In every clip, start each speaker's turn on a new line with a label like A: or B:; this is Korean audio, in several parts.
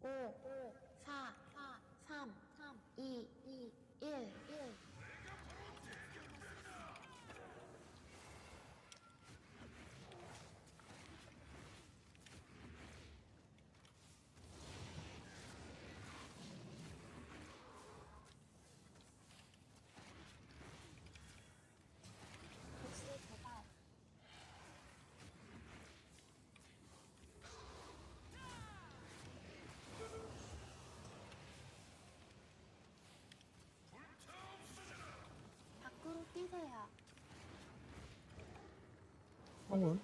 A: 4, 3, 2, 1. 복수 도발. 밖으로 뛰세요.
B: 성운.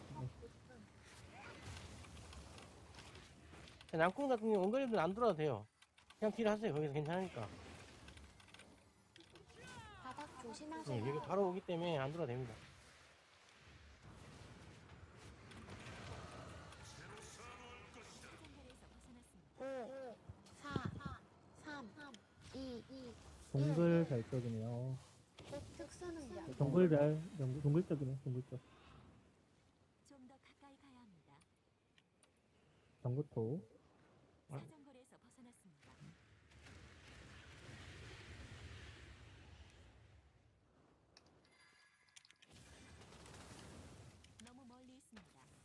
C: 양궁 같은 경우 원거리는 안 돌아도 돼요. 그냥 딜 하세요. 거기서 괜찮으니까.
A: 바닥 조심하세요.
C: 네, 여기 바로 오기 때문에 안 돌아도 됩니다.
A: 오, 4, 3, 2,
B: 동글 별쪽이네요.
A: 특수 능력.
B: 동글별, 동글쪽이네, 동글쪽.
D: 좀 더 가까이 가야 합니다.
B: 정구토.
D: 사정거리에서 벗어났습니다. 너무 멀리 있습니다.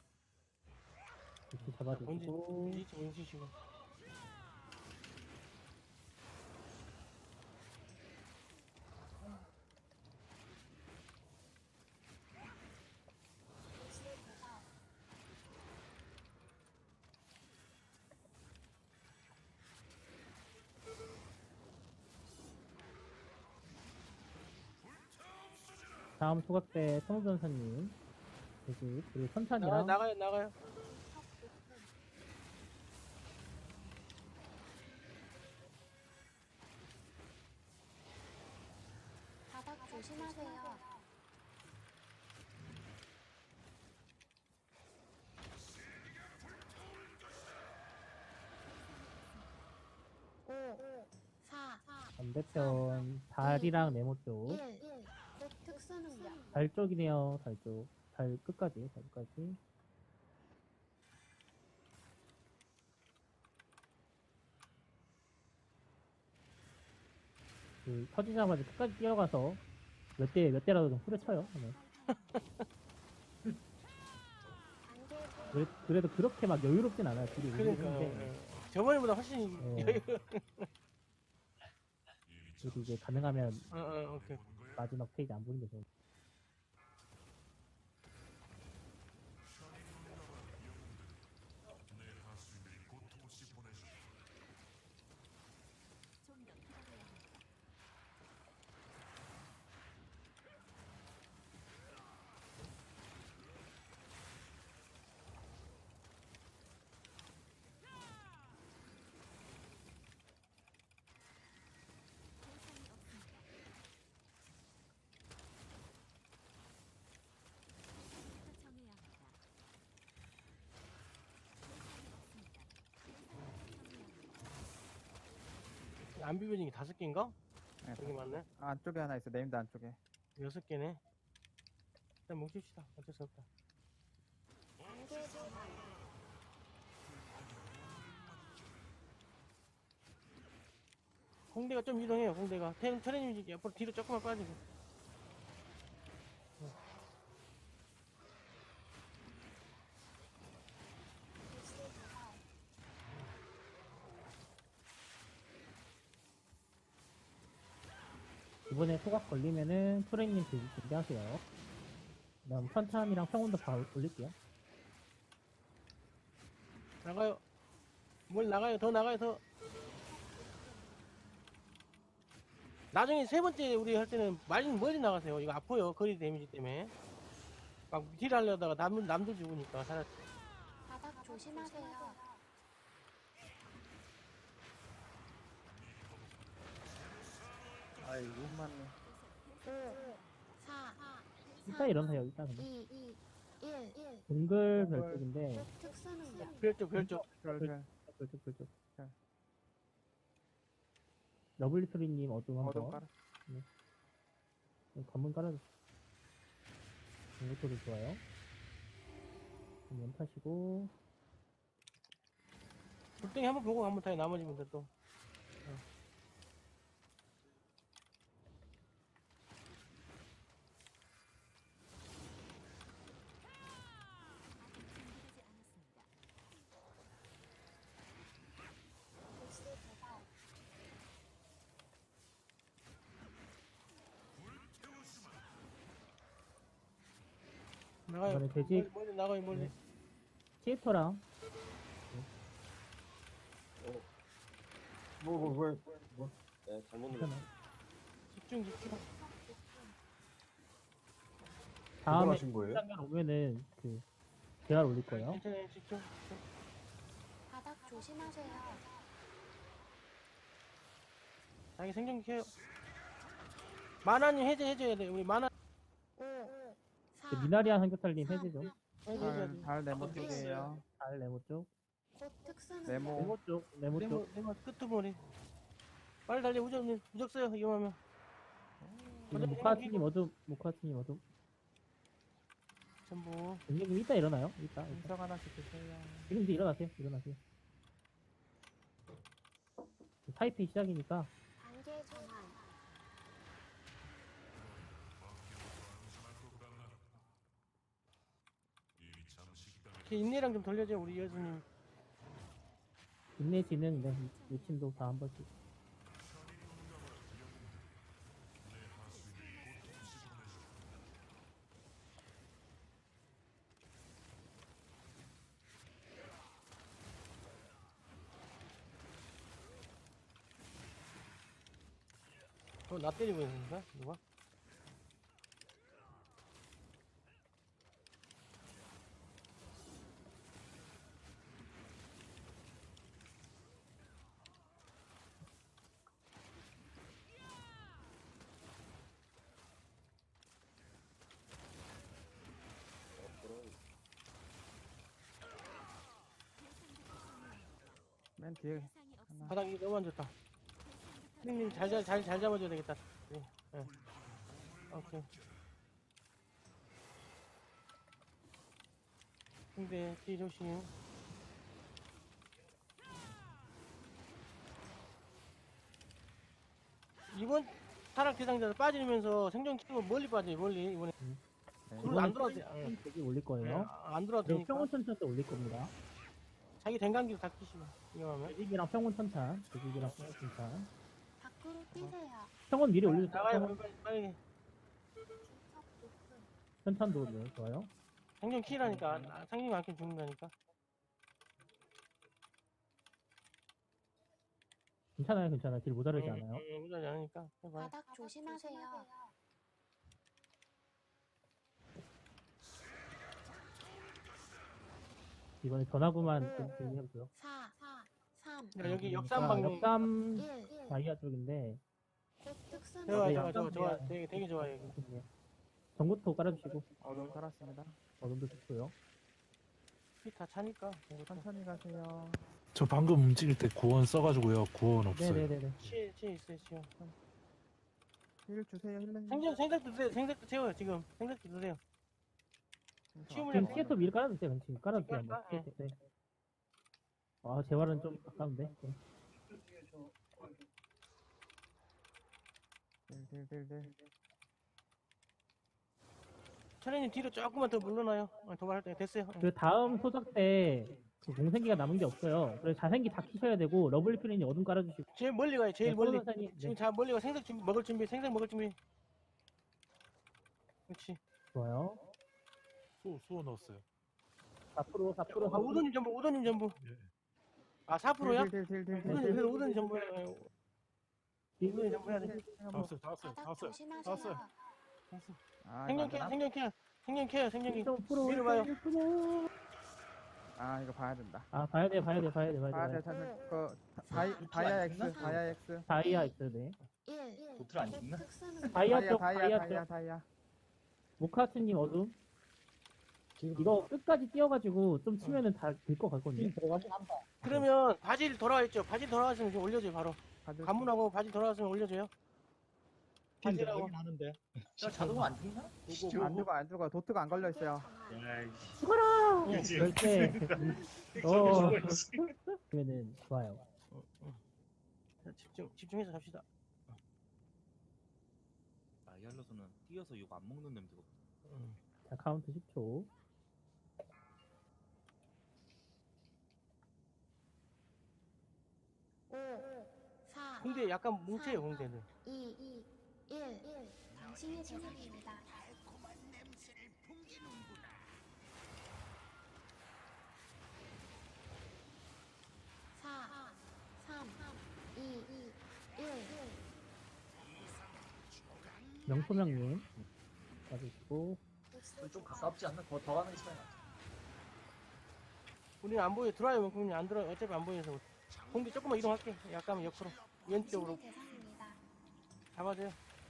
B: 이렇게 잡아주고.
C: 본진 보여주시고.
A: 복수 도발.
B: 다음 소각대 성전사님. 여기, 그리고 천찬이랑.
C: 나가요.
A: 바닥 조심하세요. 오, 4,
B: 반대편, 달이랑 네모 쪽.
A: 1. 특수 능력.
B: 달 쪽이네요, 달 쪽. 달 끝까지, 달 끝까지. 그, 터지자마자 끝까지 뛰어가서 몇 대라도 좀 후려쳐요. 네.
A: 안개
B: 그래도 그렇게 막 여유롭진 않아요, 둘이.
C: 그러니까.
B: 근데
C: 저번에보다 훨씬
B: 네. 그래도 이제 가능하면
C: 오케이.
B: 마지막 페이지 안 보는 게 좋은.
D: 좀 더 기다려야 합니다. 대상이 없습니다. 부터 정해야 합니다. 대상이 없습니다. 대상부터 정해야 합니다.
C: 안 비벼진 게 5개인가?
E: 네,
C: 여기 맞네.
E: 안쪽에 하나 있어. 네임드 안쪽에.
C: 6개네. 일단 뭉칩시다. 어쩔 수 없다.
A: 안개 도발.
C: 공대가 좀 이동해요. 공대가. 트레님 옆으로 뒤로 조금만 빠지고.
A: 복수 도발.
B: 이번에 소각 걸리면은 프레님 준비하세요. 그 다음 천찬이랑 평온도 바로 올릴게요.
C: 나가요. 뭘 나가요. 더 나가요. 더. 나중에 3번째 우리 할 때는 멀리 나가세요. 이거 아파요. 거리 데미지 때문에. 막 딜 하려다가 남들 죽으니까 살았지.
A: 바닥 조심하세요.
E: 아이고, 맞네.
A: 5, 4,
B: 일단 일어나세요, 일단.
A: 2, 1.
B: 동글 별쪽인데,
A: 특수 능력.
C: 별쪽.
E: 별별.
B: 별쪽.
E: 자.
B: 러블리토리님 어둠 한
E: 어둠
B: 번.
E: 깔아.
B: 관문 깔아주세요. 동글토리 좋아요. 그럼 연타시고,
C: 불덩이 한번 보고 한번 다시 나머지 분들 또.
D: 아직 준비되지 않았습니다.
A: 보스 도발.
C: 나가요.
B: 이번에 돼지
C: 멀리 나가요 멀리.
B: 네. 시에터랑
F: 네, 잘못 눌렀어.
B: 괜찮아요.
C: 집중 집중.
B: 다음에
F: 하신 거예요?
B: 장면 오면은 그 대화를 올릴 거예요.
C: 괜찮아요 집중. 집중.
A: 바닥 조심하세요.
C: 자기 생존기 켜요. 만화님 해제해줘야 돼. 우리 만화
A: 5,
B: 그
A: 4,
B: 미나리아 삼겹살님 해주죠.
C: 해제해줘야 돼.
E: 발 네모 쪽이에요.
B: 달 네모 쪽,
A: 곧 특수는
E: 네모.
B: 네모 쪽, 네모 쪽.
C: 네모 끄트머리. 빨리 달려 우정님 무적 써요 이거하면.
B: 지금 모카트님 어둠, 모카트님 어둠.
C: 전부.
B: 형님 이따 일어나요. 이따.
E: 인석 하나씩 주세요.
B: 지금 이제 일어나세요. 일어나세요. 타이핑 시작이니까
A: 단계 전환.
C: 이렇게 인내랑 좀 돌려줘 우리 여수님.
B: 인내지는 네, 요침도 다 한 번씩.
C: 나 때리고 있는가 누가?
E: 맨 뒤에
D: 대상이 없습니다.
C: 바닥이 너무 안 좋다. 형님 잘 잡아줘야 되겠다. 네. 네. 오케이. 근데 뒤 조심. 이번 타락 대상자들 빠지면서 생존 키고 멀리 빠져요 멀리 이번에.
E: 네.
C: 그걸 안 들어도 돼.
B: 되게 올릴 거예요.
C: 안 들어도
B: 그리고
C: 되니까.
B: 평온 천찬 때 올릴 겁니다.
C: 자기 dengan기도 다 끼시고 이거하면.
B: 대직이랑 평온 천찬, 대직이랑 평온 천찬.
A: 밖으로 뛰세요.
B: 평온 미리 올려주세요.
C: 나가요
B: 평온
C: 빨리.
A: 중턱 높음.
B: 천찬도 네, 좋아요.
C: 생존 키라니까. 생존 안 키면 죽는다니까.
B: 괜찮아요, 괜찮아요. 길 모자르지 않아요.
C: 무자지 않으니까. 해봐요.
A: 바닥 조심하세요.
B: 이번에 전화구만 좀 대기해보세요.
A: 4, 3,
C: 야, 여기 역삼
B: 자,
C: 방향.
B: 역삼
A: 1.
B: 다이아 쪽인데
A: 곧 특수는
C: 좋아
B: 네,
C: 좋아 좋아
B: 약간
C: 좋아
B: 그냥-
C: 되게 좋아요 여기.
B: 네. 전구토 깔아주시고
E: 어둠 깔았습니다.
B: 어둠도 좋고요.
C: 피 다 차니까.
E: 천천히 가세요.
G: 저 방금 움직일 때 구원 써가지고요. 구원 없어요.
B: 네네네네.
C: 치에 있어요 치에.
E: 힐 주세요. 힐.
C: 생각도 드세요. 생각도 채워요 지금. 생각도 드세요. 치우면
B: 지금 시에토 미리 깔아주세요. 지금 깔아주세요. 한번.
C: 깔까? 예.
B: 네. 아 재활은 좀 아까운데. 네.
E: 딜.
C: 차례님 뒤로 조금만 더 물러나요. 도발할 때 됐어요.
B: 그 다음 소작 때그 공생기가 남은 게 없어요. 그래서 자생기 다 키셔야 되고 러블리필이 어둠 깔아주시고.
C: 제일 멀리 가요. 제일
B: 네,
C: 멀리.
B: 코로나산이-
C: 지금
B: 네,
C: 자 멀리 가. 생각 준비 먹을 준비. 생각 먹을 준비. 그렇지.
B: 좋아요.
G: 수호 넣었어요.
B: 4% 4%
C: 아 우도님 전부.
G: 예.
C: 아 4%야?
E: 딜.
C: 우도님 전부. 우도님 전부 해야 돼.
G: 다 왔어요.
A: 바닥 조심하세요.
C: 왔어요.
E: 아,
C: 생존
E: 이거
C: 케어.
E: 안
C: 생존 케어. 생존기.
B: 1.5%
C: 밀어봐요.
B: 1.5%.
E: 아, 이거 봐야 된다.
B: 아 봐야 돼.
E: 봐야 돼.
B: 봐야 돼.
E: 그 다이아 X.
B: 다이아 있어 네.
A: 1.
F: 도트를 안 찍나?
A: 특수는
B: 다이아 쪽 다이아 쪽.
E: 다이아.
B: 모카트님 어둠. 이거 끝까지 뛰어가지고 좀 치면은 다 될 것 같거든요.
C: 그러면 바질 돌아와 있죠. 바질 돌아왔으면 좀 올려줘요 바로.
E: 가드.
C: 관문하고 바질 돌아왔으면 올려줘요. 바질하고.
F: 하는데. 저 자동으로 안 죽나?
E: 안 죽어. 도트가 안 걸려 있어요.
F: 야이씨.
B: 죽어라. 절대. 그러면은 좋아요.
C: 자, 집중해서 갑시다.
H: 아이알로서는 뛰어서 욕 안 먹는 냄새가
B: 자, 카운트 10초.
A: 5, 4,
C: 공대 약간 뭉쳐요, 공대는.
A: 2, 1. 당신의 대상입니다. 4, 3, 2, 1.
B: 명소명님 가지고
F: 좀 가깝지 않나? 더 가는 게 시간이 낫지.
C: 우리는 안 보여. 들어와요, 명품이 안 들어. 어차피 안 보여서. 공대 조금만 이동할게. 약간 옆으로. 왼쪽으로.
A: 당신의 대상입니다.
C: 잡아줘요.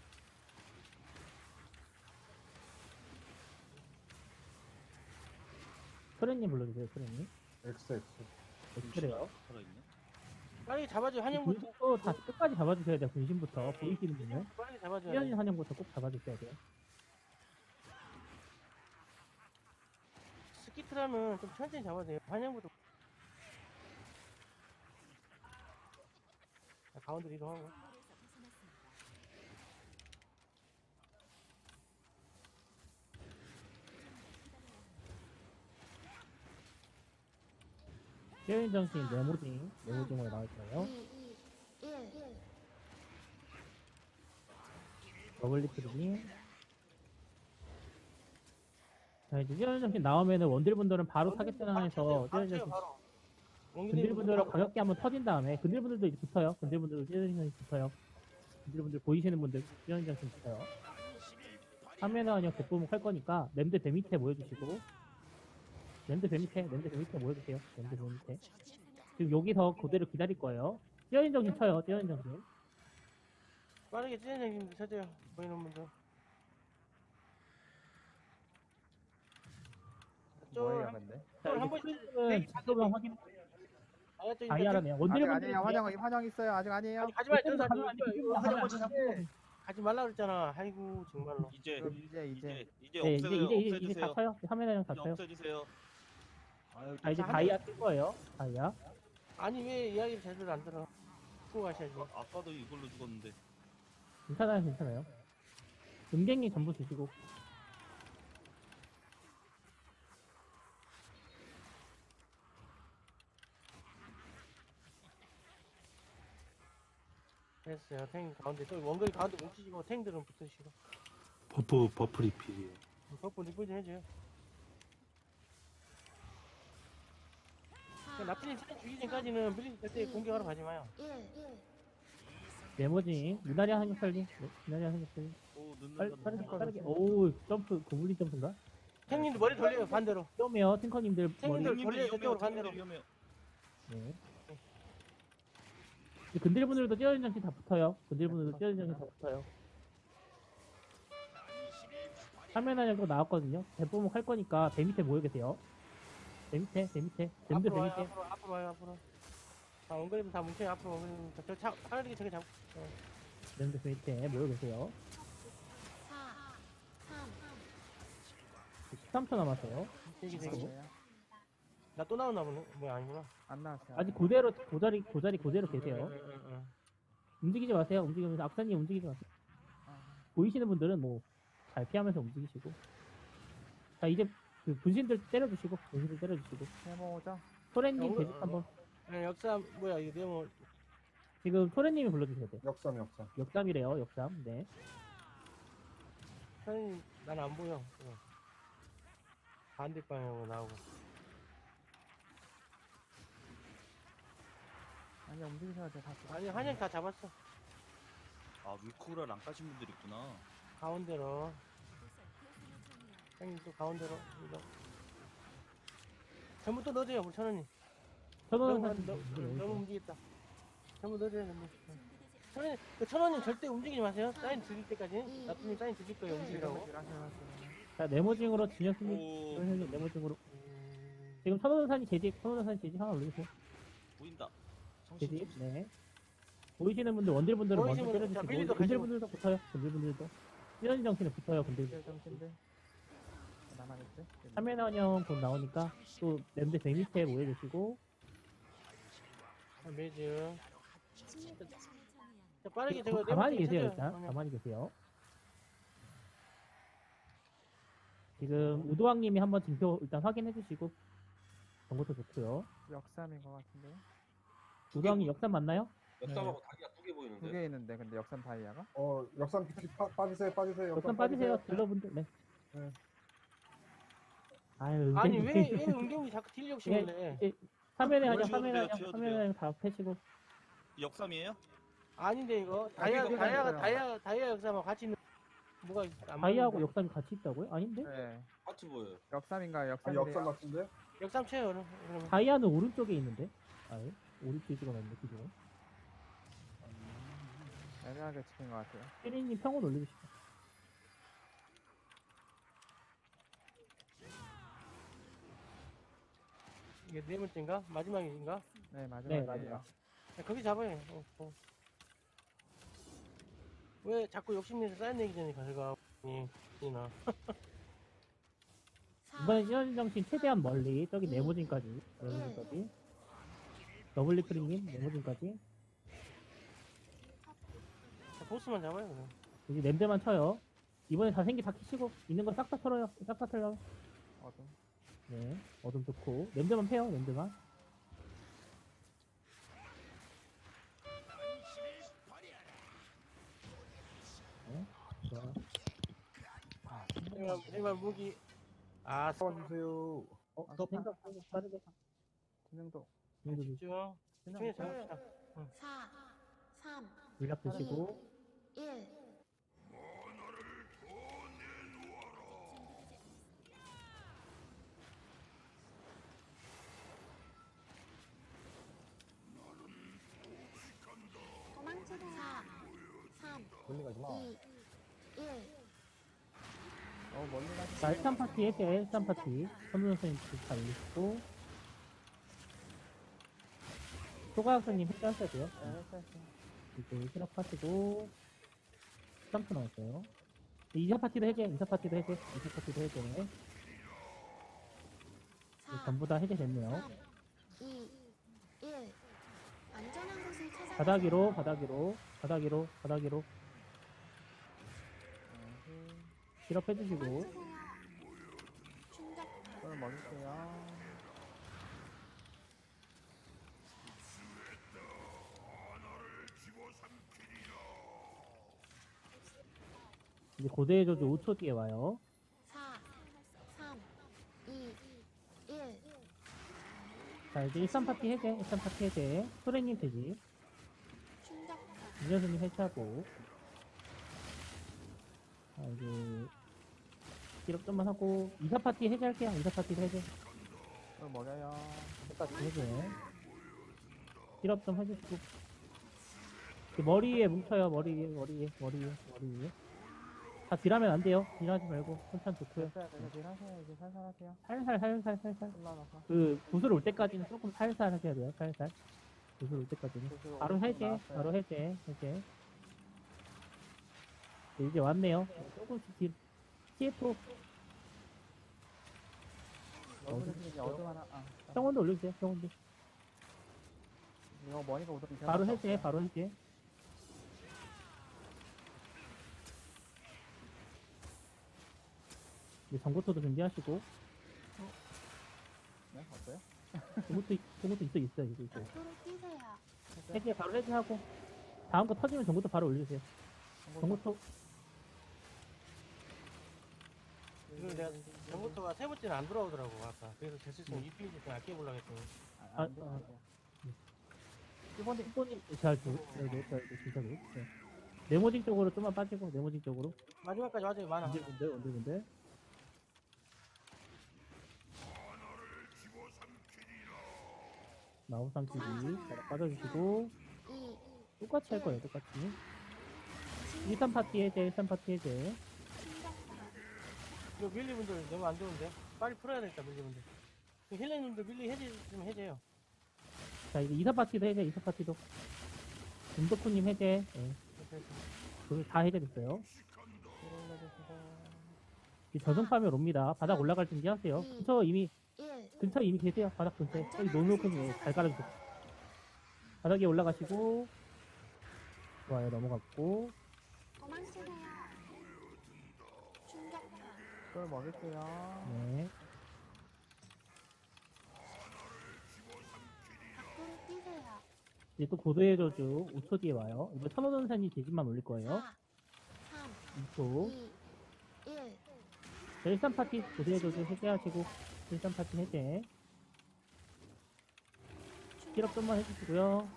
B: 소련님 불러주세요. 소련님.
I: XX.
B: 그래요.
H: 살아있네.
C: 빨리 잡아줘요. 한영부터.
B: 분신도 다 끝까지 잡아주셔야 돼요. 분신부터 보이시는 분은
C: 빨리 잡아줘요.
B: 뛰어진 한영부터 꼭 잡아주셔야 돼요.
C: 스키트라면 좀 천천히 잡아도 돼요. 한영부터. 자, 가운데로 이동하고.
D: 동굴에서 벗어났습니다.
B: 뛰어진 정신 네모징으로 나올 거예요.
A: 2, 1.
B: 더블리 프리님. 자, 이제 뛰어진 정신 나오면은 원딜분들은 바로 타겟 전환해서 뛰어진 정신
C: 바로.
B: 근딜분들은 가볍게 한번 터진 다음에 근딜분들도 이제 붙어요. 근딜분들도 뛰어진 정신 붙어요. 근딜분들 보이시는 분들 뛰어진 정신 붙어요. 화면에 아니요 대부분 할 거니까 램드 배 밑에 모여주시고 램드 배 밑에 모여주세요. 램드 배 밑에. 지금 여기서 그대로 기다릴 거예요. 뛰어진 정신 쳐요. 뛰어진 정신.
C: 빠르게 찢어내기면 찾아요. 보이는 분들.
E: 뭐예요 근데?
B: 자,
C: 한
B: 이제
C: 번씩
B: 프리즘은 작업을 확인. 다이아라네요.
E: 아직
B: 원딜분들
E: 아니에요. 환영 있어요. 아직 아니에요.
C: 가지 말자.
B: 가지
C: 가지 말라 그랬잖아. 아이고 정말로.
H: 이제
E: 그럼 이제
B: 네, 이제 다 쳐요. 화면에 다 쳐요.
H: 없애주세요. 아유,
B: 자, 이제
C: 한
B: 다이아 뜰 거예요. 다이아.
C: 아니 왜 이야기를 제대로 안 들어? 듣고 가셔야지.
H: 아까도 이걸로 죽었는데.
B: 괜찮아요, 괜찮아요. 음갱이 전부 주시고.
C: 됐어요. 탱 가운데 또 원거리 가운데 뭉치시고 탱들은 붙으시고.
G: 버프 리필이에요.
C: 버프 리플 좀 해줘요.
A: 4,
C: 나쁜이 차례 죽이기 전까지는 밀리지 절대 공격하러 가지 마요.
A: 1.
B: 네모징. 미나리 한입 살리. 미나리 한입 살리.
H: 오 늦는
B: 빠르게. 오, 점프, 고블린 점프인가?
C: 탱님도 머리 돌려요 반대로.
B: 위험해요, 탱커님들 머리.
C: 탱님들 돌려요 저쪽으로 반대로.
H: 위험해요.
B: 네. 이제 근딜분들도 뛰어진 장치 다 붙어요. 근딜분들도 뛰어진 장치 다 붙어요. 화면 안에도 나왔거든요. 대부분 할 거니까 배 밑에 모여 계세요. 배 밑에. 뱀들 배 밑에.
C: 앞으로 와요 앞으로. 자 원거리면 다 뭉쳐요 앞으로 원거리면 저 빠르게 저기 잡고.
B: 뱀들 배 밑에 모여 계세요.
A: 4, 3.
B: 13초 남았어요.
C: 되게
E: 뭐예요?
C: 나 또 나오나 보네. 뭐야 아니구나.
E: 안 나왔어요.
B: 아직 그대로 고자리 그대로 계세요.
C: 응.
B: 움직이지 마세요. 움직이면서 악사님 움직이지 마세요. 보이시는 분들은 뭐 잘 피하면서 움직이시고. 자, 이제 그 분신들 때려주시고.
E: 해모죠.
B: 소래님 대직 한번.
C: 역사 뭐야 이거 네모.
B: 지금 소래님이 불러주셔야 돼요.
I: 역삼.
B: 역삼이래요. 역삼. 네.
C: 사장님 난 안 보여. 반대 방향으로 나오고.
E: 아니 움직이셔야 돼.
C: 아니 한양 다 잡았어.
H: 아 위쿠를 안 까신 분들 있구나.
C: 가운데로. 형님 또 가운데로. 이거. 전부 또 넣어줘요 우리 천원님.
B: 천원은
C: 너무 움직였다. 전부 넣어줘요 근데. 천원님, 천원님 절대 움직이지 마세요. 사인 드릴 때까지. 나쁜님 사인 드릴 거예요 움직이라고.
B: 자, 네모징으로 진혁님.
H: 오
B: 선생님 네모징으로. 지금 천원산이 재직 하나 올려주세요.
H: 보인다.
B: 재직. 네. 보이시는 분들 원딜분들은 먼저
C: 보이시는 분들, 자,
B: 때려주시고
C: 밀리도
B: 근딜분들도 붙어요. 근딜분들도. 뛰어진 정신에 붙어요. 근딜.
E: 정신들. 남아있지?
B: 화면 환영 곧 나오니까 또 램드 배 밑에 모여주시고
C: 매즈.
D: 침묵의
C: 자,
D: 청이합니다.
C: 빠르게 저거
B: 가만히
C: 네모진
B: 계세요,
C: 찾아요.
B: 일단. 가만히 계세요. 지금 우도왕님이 한번 징표 일단 확인해 주시고 정보도 좋고요.
E: 역삼인 것 같은데.
B: 우도왕님 역삼 맞나요?
I: 역삼하고 다리가 두 개
E: 두
I: 보이는데.
E: 개 있는데 근데 역삼 다이아가?
J: 역삼 PT 빠지세요, 빠지세요.
B: 역삼 빠지세요, 딜러분들. 네.
J: 네.
B: 아유,
C: 아니
B: 은근히.
C: 왜 은경이 자꾸 딜 욕심을 내?
B: 화면에 하자,
H: 지워도
B: 화면에
H: 돼요,
B: 하자,
H: 지워도
B: 화면에 다 패시고.
H: 역삼이에요?
C: 아닌데 이거
E: 여기가 있어요.
C: 다이아 역사만 같이 있는 뭐가 안
B: 다이아하고
C: 보이는데?
B: 역삼이 같이 있다고요? 아닌데?
E: 네.
I: 같이 보여요.
E: 역삼인가요?
J: 아니,
E: 역삼이래요.
J: 역삼 같은데?
C: 역삼 쳐요 그러면.
B: 다이아는 오른쪽에 있는데? 아예? 오른쪽에 찍어놨네, 기존에.
E: 애매하게 찍힌 것 같아요.
B: 피리님 평온 올려주시죠.
C: 이게 네 번째인가? 마지막인가?
E: 네
B: 네,
E: 마지막이에요.
B: 마지막.
C: 야, 거기 잡아요. 왜 자꾸 욕심내서 쌓인 얘기 전에 가져가? 이나.
B: 이번에 시너지 정신 최대한 멀리, 저기 네모진까지. 네모진까지. 더블리크링님, 네모진까지.
C: 보스만 잡아요 그냥.
B: 여기 냄새만 쳐요. 이번에 자생기 다 키시고, 있는 거 싹 다 털어요. 싹 다 털어요.
E: 어둠.
B: 네, 어둠 좋고. 냄새만 패요, 냄새만. 네, 좋아요.
C: 정말 무기. 아,
J: 잡아주세요.
B: 더 생각 빠르게.
E: 진행도.
C: 집중. 집중해
E: 진행.
C: 잡읍시다.
A: 4, 3,
B: 물약 드시고.
A: 1. 도망치세요. 4, 3,
J: 멀리 가지 마.
A: 2, 1.
E: 멀리 가시.
B: 자, 1산 파티 해제, 1산 파티. 선우 선생님 잘 올리시고. 소가학생님 해제하셔야 돼요.
E: 네, 했어요.
B: 이제 실업하시고. 3초 나왔어요. 2사 파티도 해제, 2사 파티도 해제, 2사 파티도 해제. 이제
A: 4,
B: 전부 다 해제됐네요.
A: 3, 2, 1. 안전한 곳을 찾아.
B: 바닥위로, 바닥위로, 바닥위로, 바닥위로. 실업해주시고.
A: 도망치세요. 충격.
E: 손을 먹을게요.
B: 이제 고대의 저주 5초 뒤에 와요.
A: 4, 3, 2, 1.
B: 자, 이제 13 파티 해제, 13 파티 해제. 소래님 되지.
A: 충격.
B: 이녀수님 해체하고. 자, 이제. 실업 좀만 하고. 2사 파티 해제할게요. 2사 파티 해제.
E: 손을 먹여요.
B: 똑같이 해제. 실업 좀 해주시고. 그 머리 위에 뭉쳐요. 머리 위에, 머리 위에, 머리 위에, 머리 위에. 다 딜하면 안 돼요. 딜하지 말고. 천천 좋고요.
E: 됐어요. 그래서 딜하세요. 이제 살살 하세요.
B: 살살.
E: 올라가서.
B: 그, 구슬 올 때까지는 조금 살살 하셔야 돼요. 살살. 구슬 올 때까지는.
E: 구슬
B: 바로
E: 오른쪽
B: 해제,
E: 나왔어요.
B: 바로 해제. 네, 이제 왔네요. 조금씩 딜. CF,
E: 어둠 하나.
B: 평원도 올려주세요. 평원도.
E: 이거 머니가 오더니
B: 바로 해제, 바로 해제. 이제 전고토도 준비하시고.
E: 네, 어때요?
B: 전고토 있어, 이거.
A: 앞으로 뛰세요.
B: 해제, 바로 해제하고. 다음 거 터지면 전고토 바로 올려주세요. 전고토.
C: 이걸 내가 전부터가 세 번째는 안 돌아오더라고 아까. 그래서 됐을 때 EP 좀 아껴보려고 했더니.
B: 일본님 잘 줘. 네, 진짜 네. 네모징 쪽으로 좀만 빠지고, 네모징 쪽으로.
C: 마지막까지 와줘요 많아.
B: 언제군데. 나우상 TV 잘 빠져주시고.
A: 2,
B: 똑같이 할 거예요, 똑같이. 13 파티 해제, 13 파티 해제.
A: 충격.
C: 이거 밀리분들 너무 안 좋은데? 빨리 풀어야 되겠다 밀리분들. 힐러님들 밀리 해제 좀 해제요.
B: 자, 이제 2사 파티도 해제, 2사 파티도. 김덕후님 해제. 네. 다 해제됐어요. 이제 저승파멸 옵니다. 바닥 올라갈 준비 하세요. 근처 이미
A: 1.
B: 근처에 이미 계세요. 바닥 근처에. 여기 노노크님 잘 깔아주세요. 바닥에 올라가시고 좋아요. 넘어갔고
A: 도망치세요. 충격파.
E: 또 먹을게요.
B: 네.
A: 밖으로 뛰세요.
B: 이제 또 고도의 저주 5초 뒤에 와요. 이거 천호전산이 대진만 올릴 거예요.
A: 4, 3,
B: 2초.
A: 2, 1.
B: 자, 13파티 고도의 저주 해제하시고 13파티 해제. 힐업 좀만 해주시고요.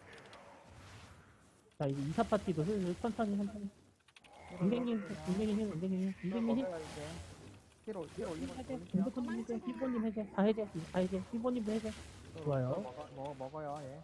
B: 자, 이제 24파티도 슬슬 천천히. 은댕님 힐.
E: 먹어요, 이제. 힐 올리고
B: 해제.
E: 올릴게요.
B: 김덕훈님 해제. 힐보님 해제. 다 해제. 다 해제. 힐보님도 해제. 좋아요.
E: 먹어요, 예.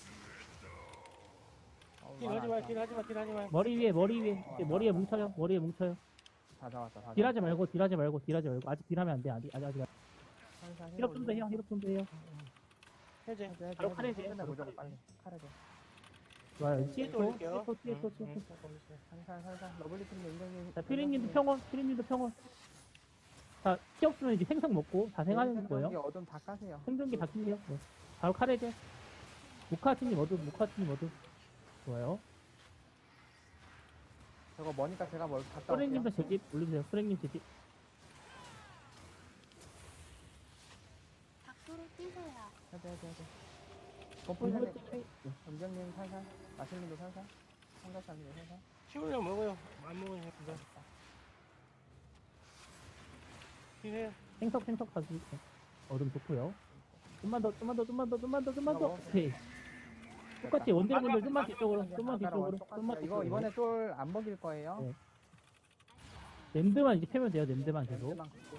C: 딜 하지 마, 딜 하지 마, 딜 하지 마.
B: 머리 위에. 이제 머리에 뭉쳐요.
E: 다 잡았다.
B: 딜하지 말고. 아직 딜하면 안 돼. 아직.
E: 살살
B: 힐업 좀 더 해요.
C: 해제.
B: 바로 칼 해제.
E: 끝내 무조건 빨리. 칼 해제.
B: 좋아요.
C: 또 올릴게요.
B: TSO.
E: 살살. 러블리팀님, 인정님.
B: 자, 피리님도 평원. 자, 키 없으면 이제 생성 먹고 다 생하는 거예요.
E: 어둠 다 까세요.
B: 생존기 다 킬게요. 네. 바로 카레제. 모카치님 어둠. 좋아요.
E: 저거 머니까 제가 뭘 갔다 올게요.
B: 소랭님도 제집 올려주세요. 소랭님 제집.
A: 밖으로 뛰세요.
E: 해제. 범퍼님, 인정님 살살. 마실님도 살살. 삼각사님도 살살.
C: 치우려면 먹어요. 안 먹으면 그냥. 딜해요.
B: 생석 가지고. 어둠 좋고요. 좀만 더. 오케이. 똑같이 원딜분들 좀만 뒤쪽으로.
E: 이번에 쫄 안 먹일 거예요.
B: 네. 랜드만 이제 패면 돼요. 랜드만 계속.
E: 랜드만 걷고.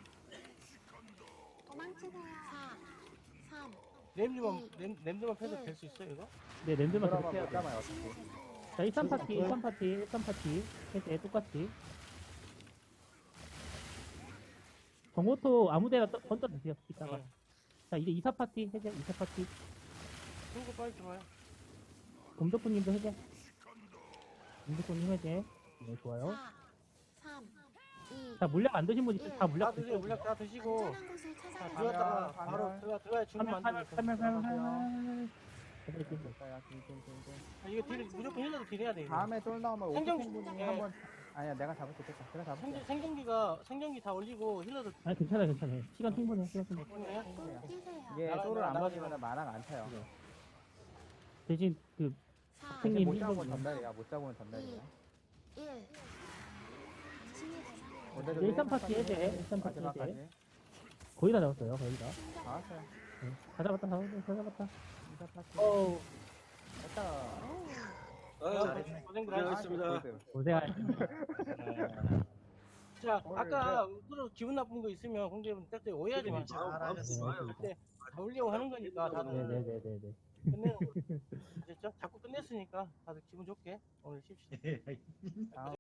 A: 도망치세요. 4, 3,
C: 램드만 패도 될 수 있어요, 이거?
B: 네, 랜드만 계속
E: 들어가면
B: 해야
E: 못
B: 돼요.
E: 잡아요, 어차피.
B: 자, 13파티. 해제 똑같이. 정호토 아무데나 던져주세요. 이따가.
C: 응.
B: 자, 이제 24파티 해제. 24파티.
C: 그거 빨리 들어와요.
B: 곰덕분님도 해제. 곰덕분님 해제. 네, 좋아요.
A: 4, 3, 2.
B: 자, 물약 안 드신 분 있으면 다 물약
C: 다 드세요, 물약 다 드시고.
A: 안전한 곳을
C: 자,
A: 찾아가세요.
C: 들어갔다가
E: 가면.
C: 바로 들어가야 주문 만드니까.
E: 있어요.
C: 이거 딜, 무조건 힐러도 딜해야 돼, 이거.
E: 다음에 쫄 나오면
C: 생존-
E: 오프닝분이
C: 예.
E: 한번 아니야 내가 잡을 수 있겠다. 제가 잡을게요.
C: 생존기 다 올리고 힐러도
B: 아니, 괜찮아요. 시간 충분해요.
C: 딜해요.
A: 밖으로 뛰세요.
E: 이게
C: 나가-
E: 쫄을 안
C: 나가지
E: 먹이면 만화가 안 차요.
B: 대신,
A: 4,
B: 선생님
E: 못 잡으면
B: 힐러-
E: 전달이야. 못 잡으면 전달이야.
A: 1. 치유 대상.
E: 오늘도
B: 일단 파티 해제. 일단 파티 해제.
E: 마지막까지
B: 거의 다 잡았어요. 거의 다.
E: 다 왔어요.
B: 네. 다 잡았다.
E: 인사 파티.
C: 어우,
E: 됐다.
C: 고생들 하셨습니다.
B: 고생하셨습니다.
C: 자, 아까 서로 기분 나쁜 거 있으면 공개분 딱딱 오해하지 마. 그때 다 올리려고 하는 거니까 다들
B: 네네네네.
C: 끝내는 거. 됐죠? 자꾸 끝냈으니까 다들 기분 좋게 오늘 쉽시다.
E: 다음